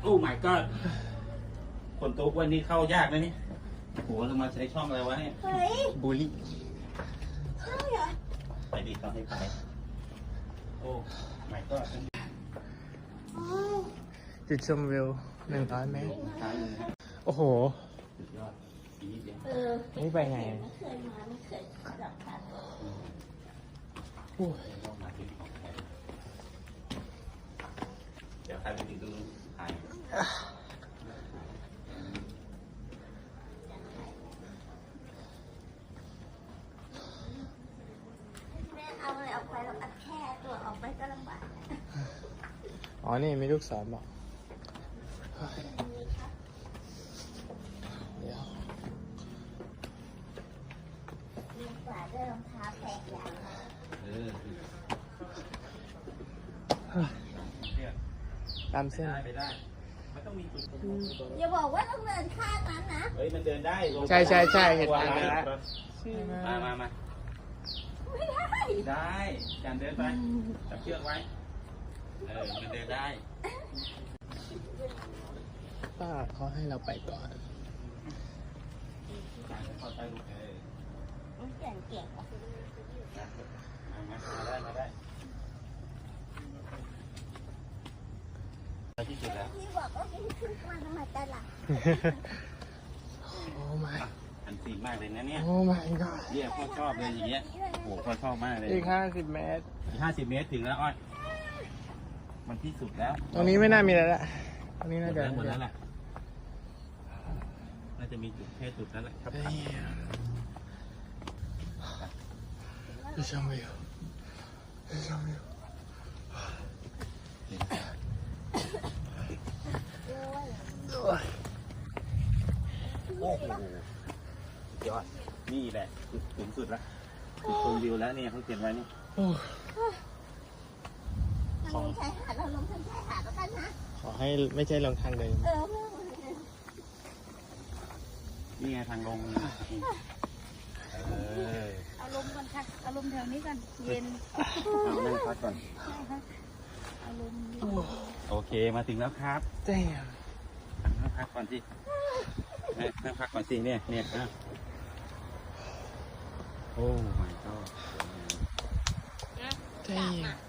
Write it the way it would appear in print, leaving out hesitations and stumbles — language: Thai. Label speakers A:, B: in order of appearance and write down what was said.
A: อ้ my god คนตุ๊กวันนี้เข้ายากนะนี่โหเรามาใช้ช่องอะไรวะเนี่ย
B: เฮ้ย
C: บูลลี่
B: ใช่เหรอ
A: ไปดิเขาให้ไปโอ้ my god
B: โอ้ย
C: จุดชมวิว100 เมตร
A: ท้ายเลยนะ
C: โอ้โห
A: สุดยอดอีกนิดเดียว
C: นี่ไปไง
B: ไม่เคยมาไม่เคยสัมผัส
C: โอ้ย
A: ต้องมาเป็นของแท้เดี๋ยวใครไปถึงตรงนู้นถ่าย
B: แม่เอาอะไรออกไปแล้วอัดแค่ตัวออกไปก็ลำบาก
C: อ๋อ นี่มีลูกศรบอกเดี๋ยว
B: มีกว่าด้วยรองเท้าแตกอย่าง
A: เออ
C: ตามเส้น
A: ได้ไปได้มันต้องมีจุด
B: อย่าบอกว่าต้องเดินข้ามนั้นนะ
A: เฮ้ยมันเดินได้ลง
C: ใช่ใช่ใช่เห็น
A: ตัว
C: ทาง
A: อะไร
C: แล้ว
A: มา
B: ไม่ได้
A: ได้การเดินไปจับเชือกไว้มันเดินได้
C: ป้าเขาให้เราไปก่อน
A: การเข้าใต้ลูก
B: มันเก่งเก่งว่ะ
A: มาได้ไปที่สุดแล้ว
B: ที่บอกว่าวิ่งขึ้นมาทำไมแต่ละ
C: โอ้ my
A: อันซีนมากเลยนะเนี่ย
C: โอ้ my god
A: เนี่ยพ่อชอบเลยอย่างเงี้ยโอ้โหพ่อชอบมากเลย
C: อีก50 เมตร
A: 50 เมตรถึงแล้วอ้อยมันที่สุดแล้ว
C: ตรงนี้ไม่น่ามีแล้วละตรงนี้น่าจะ
A: หมดแล้วแหละน่าจะมีจุดแค่จุดนั้นแหละครับ
C: จุดชมวิวจุดชมวิว
A: โอ้โหยอดนี่แหละจุดสูงสุดละจุดชมวิวแล้วเนี่ยเขาเขียนไว้นี่
C: โอ้
B: ทางลงชายหาดเราลงทางชายหาดแล้วกันนะ
C: ขอให้ไม่ใช่ลงทางเดิม
A: นี่ไงทางลง
B: เอาลมก่อนค่ะเอาลมแถวนี้กันเย็น
A: เอานั่งพักก่อน
B: เอาลม
A: โอเคมาถึงแล้วครับ
C: เจ๊ง
A: นั่งพักก่อนสินั่งพักก่อนสิเนี่ยโอ้ my god
C: เจ๊ง